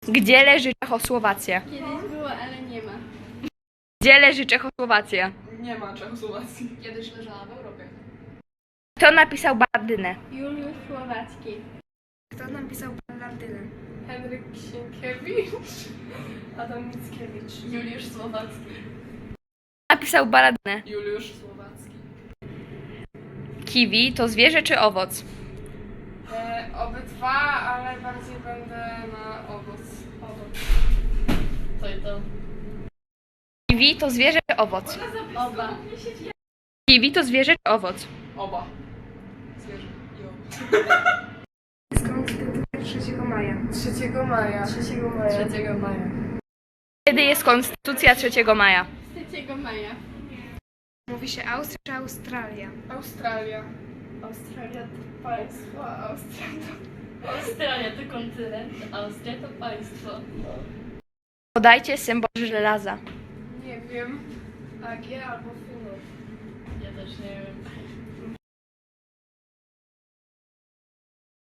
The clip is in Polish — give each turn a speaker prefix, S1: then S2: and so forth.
S1: Gdzie leży Czechosłowacja?
S2: Kiedyś było, ale nie ma.
S1: Gdzie leży Czechosłowacja?
S3: Nie ma Czechosłowacji.
S4: Kiedyś leżała w Europie.
S1: Kto napisał Balladynę?
S2: Juliusz Słowacki.
S5: Kto napisał Balladynę?
S3: Henryk Sienkiewicz. Adam Mickiewicz.
S4: Juliusz Słowacki.
S1: Kto napisał Balladynę?
S3: Juliusz Słowacki.
S1: Kiwi to zwierzę czy owoc?
S3: Obydwa, ale bardziej będę na owoc.
S4: To i to.
S1: Kiwi to zwierzę czy owoc?
S4: Oba.
S1: Kiwi to zwierzę czy owoc?
S3: Oba. Zwierzę i owoc.
S5: Konstytucja 3 maja.
S3: 3 maja. 3 maja.
S4: 3 maja.
S1: Kiedy jest Konstytucja 3 maja?
S2: 3 maja.
S5: Mówi się Austria czy Australia?
S3: Australia.
S2: Australia to państwo, a Australia
S4: Australia to kontynent, Austria to państwo.
S1: Podajcie symbol żelaza.
S3: Nie wiem. AG albo Finów.
S4: Ja też nie wiem.